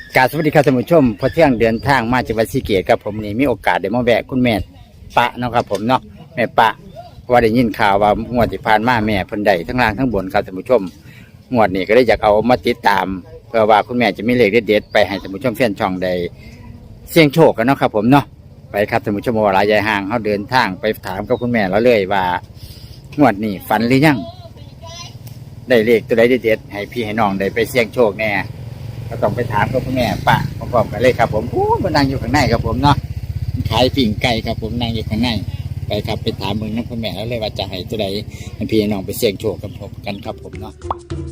กราบสวัสดีครับท่านผู้ชมพอเที่ยงเดินทางมาจากวัดศรีเกตครับผมนี่มีโอกาสได้มาแวะคุณแม่ปะเนาะครับผมเนาะแม่ปะว่าได้ยินข่าวว่างวดที่ผ่านมาแม่เพิ่นได้ทั้งล่างทั้งบนครับท่านผู้ชมงวดนี้ก็ได้อยากเอามาติดตามเพื่อว่าคุณแม่จะมีเลขเด็ดๆไปให้ท่านผู้ชมแฟนช่องได้เสี่ยงโชคกันเนาะครับผมเนาะไปครับท่านผู้ชมว่าหลายยายห่างเขาเดินทางไปถามกับคุณแม่แล้วเลยว่างวดนี้ฝันหรือยังได้เลขตัวใดเด็ดๆให้พี่ให้น้องได้ไปเสี่ยงโชคแน่ก็ต้องไปถามกับคุณแม่ปะพร้อมๆกันเลยครับผมมันนั่งอยู่ข้างในครับผมเนาะขายปิ่งไก่ครับผมนั่งอยู่ข้างในไปครับไปถามมึงน้องคุณแม่แล้วเลยว่าจะให้ตัวใดให้พี่น้องไปเสี่ยงโชคกับผมกันครับผมเนาะ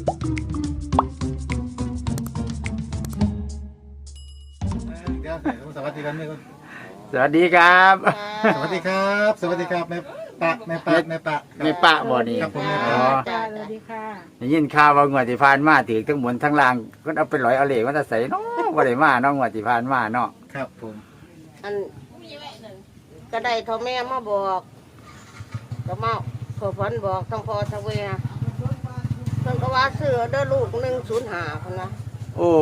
สวัสดีครับสวัสดีครับสวัสดีครับ สวัสดีครับแม่ปะแม่ปะบ่นี่ครับผมอ๋อจ้าสวัสดีค่ะได้ยินข่าวว่างวดที่ผ่านมาถือทั้งบนทั้งล่างก็เอาไปลอยเอาเหล็กมันจะใส่เนาะบ่ได้มาเนาะงวดที่ผ่านมาเนาะครับผมอันก็ได้ทอแม่มาบอกก็มาขอฝันบอกทั้งพ่อทั้งแม่เพิ่นก็ว่าซื้อเด้อลูก105พุ่นนะโอ้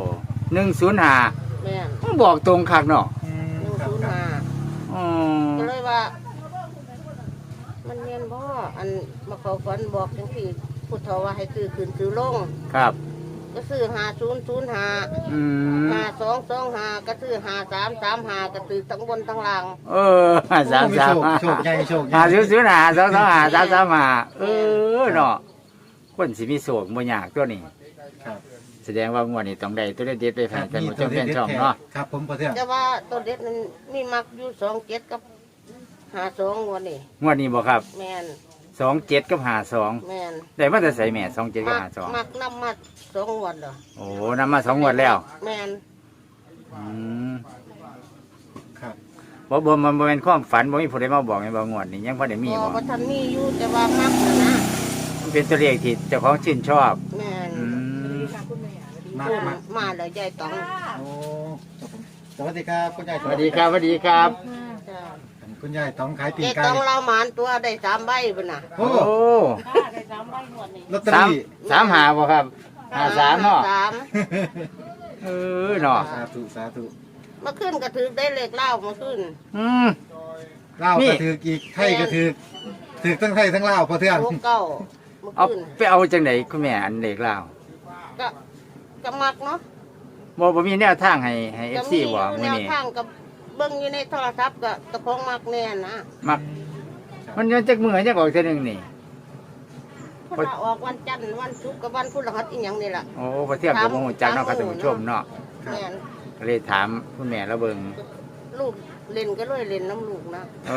105 แม่นมันบอกตรงคักเนาะครับ 105 อ๋อก็เลยว่า มันแม่นบ่อันมาขอฝันบอกจังซี่พุทธว่าให้ซื้อขึ้นซื้อลงครับก็ซื้อ5005 อืม 5225ก็ซื้อ5335ก็ซื้อทั้งบนทั้งล่างสามโชคใหญ่โชคใหญ่หาซื้อหา225 335เนาะคนสิมีโศกบ่ยากตัวนี้ครับแสดงว่างวดนี้ต้องได้ตัวเด็ดๆไปให้ท่านผู้ชมแฟนช่องเนาะครับผมประเทืองแต่ว่าตัวเด็ดนั้นมีมักอยู่27กับ52วันนี้งวดนี้บ่ครับแม่น 27กับ52 แม่นได้มาแต่ใส่แม่27กับ52 มักน้ำมัด2วันเหรอโอ้นำมา2งวดแล้วแม่นอืมครับบ่มันบ่เป็นความฝันบ่มีผู้ใดมาบอกให้บ่งวดนี้ยังบ่ได้มีพอบ่บ่ทันมีอยู่แต่ว่ามักนะมันเป็นตัวเลขที่เจ้าของชื่นชอบแม่นอืมมากขึ้นมากมาแล้วยายต้องโอ้ครับผมสวัสดีครับคุณยายสวัสดีครับสวัสดีครับจ้าคุณยายต้องขายปียายไก่ต้องเราหมานตัวได้3ใบพุ่นน่ะโอ้โอ้ลอตเตอรี่ 3 5บ่ครับ53เนาะสามเนาะสาธุสาธุเมื่อคืนก็ถือได้เลขเล่าเมื่อคืนอืมเล่าวนี่ก็ถืออีกไทยก็ถือทั้งไทยทั้งลาวประเทือง 69เมื่อเอาคืนไปเอาจังได๋คุณแม่อันเลขลาวก็ก็มักเนาะบ่มีแนวทางให้ก็ FC มีบ่แนมื้อวนี้ทางกับเบิ่งอยู่ในโทรศัพท์ก็ตะของมักแน่นะมักมันยังจักมื้อจักออกเทื่อนึงนี่เพราะว่าออกวันจันทร์วันศุกร์กับวันพฤหัสอีหยังนี่ล่ะโอ้บ่เที่ยงก็บ่ฮู้จักเนาะครับท่านผู้ชมเนาะแม่นก็เลยถามคุณแม่แล้วเบิ่งลูกเล่นก็เลยเล่นน้ำลูกนะเออ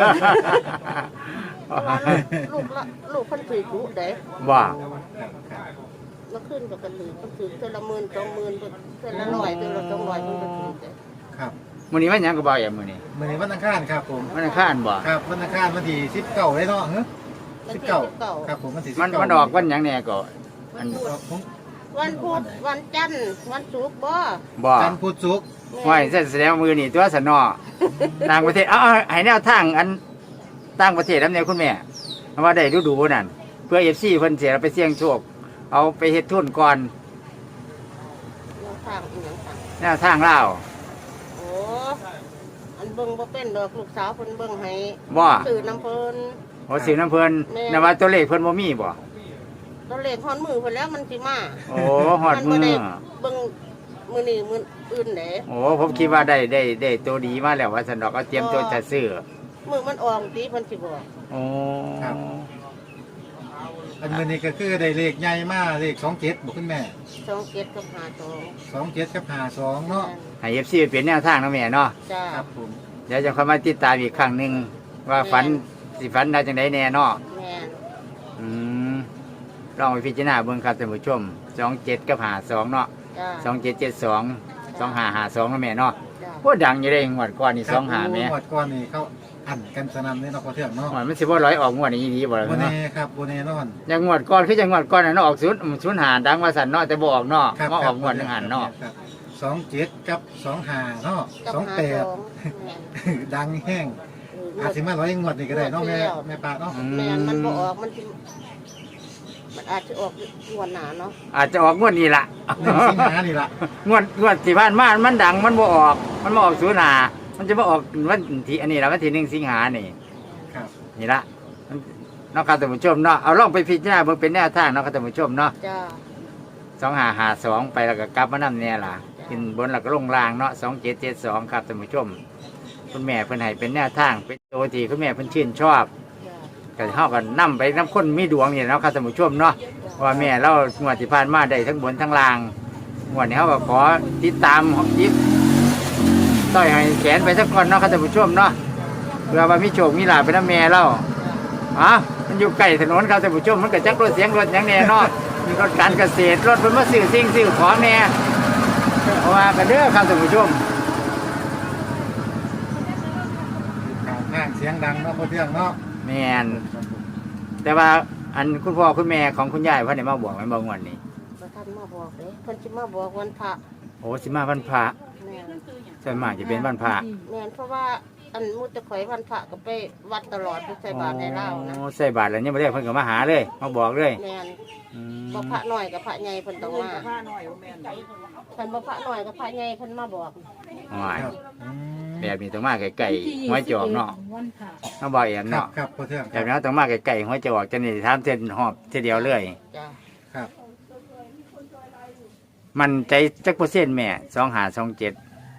เพราะว่าลูกเพิ่นถือกุเด้ว่าครับครับเมื่อคืนก็กระถือเพิ่นถือเทื่อละ10,000 20,000เทื่อละ100เทื่อละ200เพิ่นก็ถือเด้ครับมื้อนี้วันหยังก็บ่อย่ามื้อนี้มื้อนี้วันอังคารครับผมวันอังคารบ่ครับวันอังคารวันที่19เลยเนาะฮะวันที่ 19ครับผมวันที่19 มันออกวันหยังแน่ก็วันพุธครับผมวันพุธวันจันทร์วันศุกร์บ่บ่จันทร์พุธศุกร์ห้วยแสดงว่ามือนี่ตัวสนอต่างประเทศเอาให้แนวทางอันต่างประเทศนำแนวคุณแม่เพราะว่าได้ดูนั่นเพื่อ FC เพิ่นเสียไปเสี่ยงโชคเอาไปเฮ็ดทุนก่อนยังทางอีหยังทางแนวทางลาวโอ้อันเบิ่งบ่เป็นดอกลูกสาวเพิ่นเบิ่งให้บ่ซื้อน้ำเพิ่นโอ้สิน้ำเพิ่นแม่นว่าตัวเลขเพิ่นบ่มีบ่ตัวเลขฮอดมือเพิ่นแล้วมันสิมาโอ้ฮอดมืนบ่อได้เบิ่งมื้อนี้มื้ออื่นเด้โอ้ผมคิดว่าได้ตัวดีมาแล้วว่าสันดอกเอาเตรียมตัวจะซื้อมื้อมันออกติเพิ่นสิบอกโอ้อันมื้อนี้ก็คือได้เลขใหญ่มากเลข27บ่คุณแม่ 27กับ52 27กับ52เนาะให้ FC เป็นแนวทางนะแม่เนาะจ้าครับผมเดี๋ยวจะค่อยมาติดตามอีกครั้งหนึงว่าฝันสิฝันได้จังไดแน่เนาะแม่นอืมลองไปพิจารณาเบิ่งครับท่านผู้ชม27กับ52เนาะจ้า 2772 2552นะแม่เนาะจ้าโอ้ดังอยู่เด้งวดก่อนนี่ครับ 25แม่งวดก่อนนี่เขาอันกันสนั่นเลยเนาะพอเทื่องเนาะหวยมันสิบ่ร้อยออกงวดนี้ดีบ่ล่ะบ่เนาะแน่ครับบ่แน่นอนอย่างงวดก่อนคือจังงวดก่อนน่ะเนาะออก0 5ดังว่าสั่นเนาะแต่บ่ออกเนาะครับมาออกงวดหนึงหันเนาะครับ27กับ25เนาะกับ 28 แม่นดังแห้งอาจสิมาร้อยงวดนี่ก็ได้เนาะแม่แล้วแม่ปะเนาะแม่นมันบ่ออกมันสิมันอาจจะออกงวดหนาเนาะอาจจะออกงวดนี้ละ 1 สิงหานี่ล่ะงวดที่ผ่านมามันดังมันบ่ออกมันบ่ออกศูนย์หามันจะมาออกวันที่อันนี้ละวันที่1 สิงหานี่ครับนี่ละมันเนาะครับท่านผู้ชมเนาะเอาลองไปพิจารณาเบิ่งเป็นแนวทางเนาะครับท่านผู้ชมเนาะจ้า 2552ไปแล้วก็กลับมานำเนี่ยล่ะขึ้นบนแล้วก็ลงล่างเนาะ2772ครับท่านผู้ชมคุณแม่เพิ่นให้เป็นแนวทางเป็นตัวที่คุณแม่เพิ่นชื่นชอบจ้าก็เฮาก็นำไปนํคนมีดวงนี่เนาะครับท่านผู้ชมเนาะว่าแม่เรางวดที่ผ่านมาได้ทั้งบนทั้งล่างงวดนี้เฮาก็ขอติดตามยิบต้อยให้แขนไปสักคนเนาะครับท่านผู้ชมเนาะเพื่อว่ามีโชคมีลาภไปนำแม่เรามันอยู่ใกล้ถนนครับท่านผู้ชมมันก็จักรถเสียงรถหยังแน่เนาะมีรถการเกษตรรถเพิ่นมาซื้อสิ่งซื้อของแน่เพราะว่าก็เด้อครับท่านผู้ชมห้างเสียงดังเนาะพ่อเที่ยงเนาะแม่นแต่ว่าอันคุณพ่อคุณแม่ของคุณยายเพิ่นได้มาบอกไว้บ่งวันนี้บ่ทันมาบอกเลยเพิ่นสิมาบอกวันพระโอ้สิมาวันพระแม่นส่วนมากจะเป็นวันพระแม่นเพราะว่าอันมุตะข่อยวันพระก็ไปวัดตลอดไปใส่บาตรในเล่าวนะโอ้ใส่บาตรแล้วยังบ่ได้เพิ่นก็มาหาเลยมาบอกเลยแม่นอืมบ่พระน้อยกับพระใหญ่เพิ่นต้องมาคันบ่พระน้อยกับพระใหญ่เพิ่นมาบอกว้ายครับอืมแบบนี้ต้องมาไกลๆหัวจอกเนาะน้องบอกเองครับเนาะครับพ่อเที่ยงแบบนี้ต้องมาไกลๆหัวจอกจะนี่ถามเส้นหอบทีเดียวเลยจ้าครับมันใจจักเปอร์เซ็นต์แม่2527 ช่วงหาช่วงเจ็ด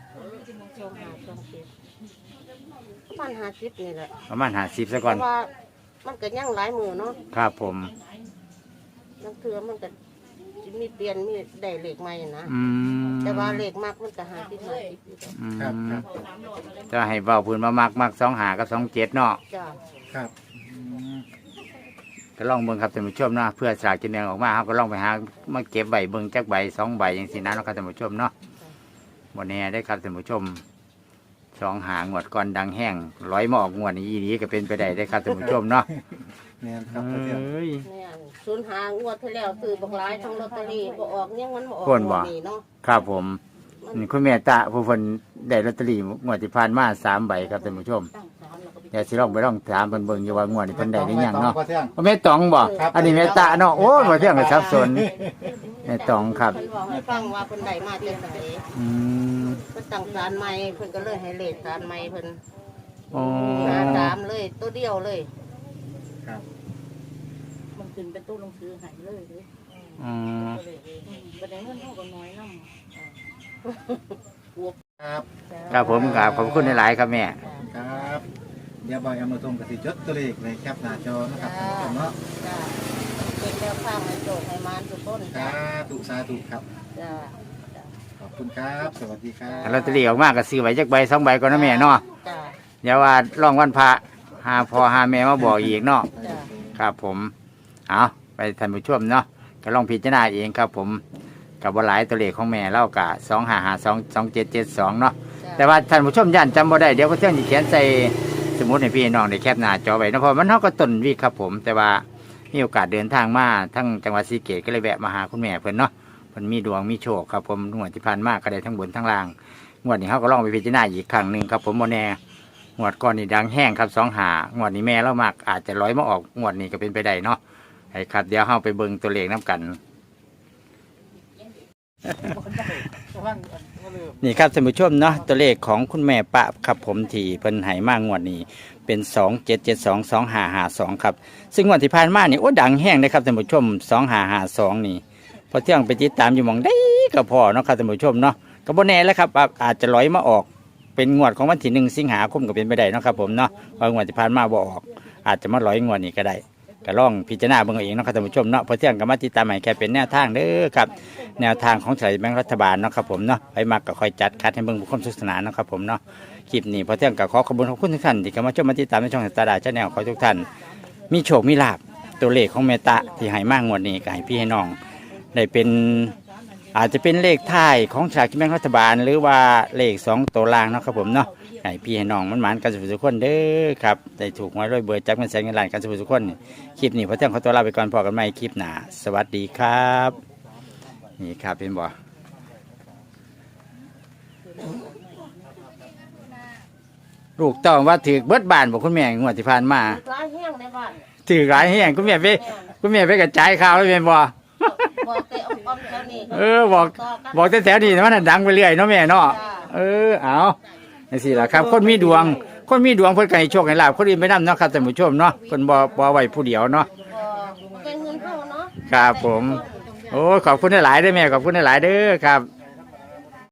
ประมาณ50นี่แหละประมาณ50ซะเพก่อนราะว่ามันก็ยังหลายมือเนาะครับผมนังเทือมันก็สิมีเปลี่ยนมีได้เลขใหม่นะอืมแต่ว่าเลขมากมันก็หาที่หาที่อืมครับครับจะให้เว้าพื้นมามัก25กับ27เนาะจ้าครับอืมก็ลองเบิ่งครับท่านผู้ชมเนาะเพื่อสลากกินแบ่งออกมาเฮาก็ลองไปหามาเก็บใบเบิ่งจักใบ2 ใบจังซี่นะเนาะครับท่านผู้ชมเนาะบ่แน่ได้ครับท่านผู้ชม2 หางวดก่อนดังแห้งร้อยมาออกงวดนี้อีหลีก็เป็นไปได้ได้ครับท่านผู้ชมเนาะแม่นครับพ่อเที่ยงเอ้ยแม่นศูนย์หางวดที่แล้วซื้อบักหลายทั้งลอตเตอรี่บ่ออกยังมันบ่ออกคนบ่งวดนี้เนาะครับผมนี่คุณแม่ตาผู้เพิ่นได้ลอตเตอรี่งวดที่ผ่านมา3 ใบครับท่านผู้ชมเดี๋ยวสิลองไปลองถามเพิ่นเบิ่งอยู่ว่างวดนี้เพิ่นได้หรือยังเนาะพ่อเที่ยงแม่ตองบ่อันนี้แม่ตาเนาะโอ้ยบ่เที่ยงก็สับสนแม่ตองครับเพิ่นบอกให้ฟังว่าเพิ่นได้มาจากไสอืมเพิ่นตั้งศาลใหม่เพิ่นก็เลยให้เลขศาลใหม่เพิ่นโอ้หาตามเลยตัวเดียวเลยครับมันขึ้นเป็นตู้ลงซื้อใหายเลยเลยอืมบันไดเงินเท่ากับน้อยน้ครับครับผมครับขอบคุณหลายๆครับแม่ครับเดี๋ยวบอยเอามาตรงกับสิจดตัวเลขในแคปหน้าจอนะครับท่านผู้ชมเนาะจ้าเป็นแนวข้างให้โจกให้มารทุกคนสาจ้าธุสาธุครับจ้าขอบคุณครับ สวัสดีครับลอตเตอรี่ออกมาก็ซื้อไว้จักใบ2 ใบก่อนนะแม่เนาะจ้าเดี๋ยวว่าลองวันพระหาพ่อหาแม่มาบอกอีกเนาะจ้าครับผมเอาไปท่านผู้ชมเนาะก็ลองพิจารณาเองครับผมกับว่าหลายตัวเลขของแม่เล่ากะ25522772เนาะแต่ว่าท่านผู้ชมย่านจำบ่ได้เดี๋ยวก็เที่ยงสิเขียนใส่สมุดให้พี่น้องได้แคปหน้าจอไว้เนาะเพราะมันเฮาก็ต้นวีคครับผมแต่ว่ามีโอกาสเดินทางมาทั้งจังหวัดศรีสะเกษก็เลยแวะมาหาคุณแม่เพิ่นเนาะเพิ่นมีดวงมีโชคครับผมงวดที่ผ่านมาก็ได้ทั้งบนทั้งล่างงวดนี้เฮาก็ลองไปพิจารณาอีกครั้งหนึงครับผมบ่แน่งวดก่อนนี่ดังแห้งครับ2 หางวดนี้แม่เรามากอาจจะร้อยมาออกงวดนี้ก็เป็นไปได้เนาะไอ้ครับเดี๋ยวเฮาไปเบิ่งตัวเลขนํกัน นี่ครับท่านผู้ชมเนาะตัวเลขของคุณแม่ปะครับผมที่เพิ่นให้มางวดนี้เป็น27722552ครับซึ่งงวดที่ผ่านมานี่โอ้ดังแห้งนะครับท่านผู้ชม2552นี่พอเที่ยงไปติดตามอยู่หม่องได้ก็พอเนาะครับท่านผู้ชมเนาะก็บ่แน่แล้วครับอาจจะร้อยมาออกเป็นงวดของวันที่1 สิงหาคมก็เป็นไปได้เนาะครับผมเนาะว่างวดที่ผ่านมาบ่ออก อาจจะมาร้อยงวดนี้ก็ได้ก็ลองพิจารณาเบิ่งเอาเองเนาะครับท่านผู้ชมเนาะพอเที่ยงก็มาติดตามให้แค่เป็นแนวทางเด้อครับแนวทางของสายแบงค์รัฐบาลเนาะครับผมเนาะไปมักก็ค่อยจัดคัดให้เบิ่งบุคคลสุขสนานเนาะครับผมเนาะคลิปนี้พอเที่ยงก็ขอขอบคุณทุกท่านที่เข้ามาชมมาติดตามในช่องตาดาชาแนลขอให้ทุกท่านมีโชคมีลาภตัวเลขของเมตตาที่ให้มากงวดนี้ก็ให้พี่ให้น้องได้เป็นอาจจะเป็นเลขท้ายของสลากกินแบ่งรัฐบาลหรือว่าเลข2 ตัวล่างเนาะครับผมเนาะให้พี่ให้น้องมันหมานกันสุขทุกคนเด้อครับได้ถูกหวยรวยเบอร์จักเงินแสนเงินล้านกันสุขทุกคนคลิปนี้พอเที่ยงขอตัวลาไปก่อนพอกันใหม่คลิปหน้าสวัสดีครับนี่ครับเป็นบ่ลูกต้องว่าถือเบิดบานบอกคุณแม่งวดที่ผ่านมาร้ายแห้งในบ้านถือหลายแห่งคุณแม่ไปแม่นคุณแม่ไปกระจายข่าวเลยแม่นบ่บอกแต่อ้อมๆแถวนี้บอกแต่แถวนี้มันนะดังไปเรื่อยเนาะแม่เนาะเอาจังซี่ล่ะครับ คนมีดวงเพิ่นก็ให้โชคให้ลาภคนอื่นไปนำเนาะครับท่านผู้ชมเนาะเพิ่นบ่ไว้ผู้เดียวเนาะบอกเป็นเงินเท่าเนาะครับผม โอ้ขอบคุณหลายๆเด้อแม่ขอบคุณหลายๆเด้อครับ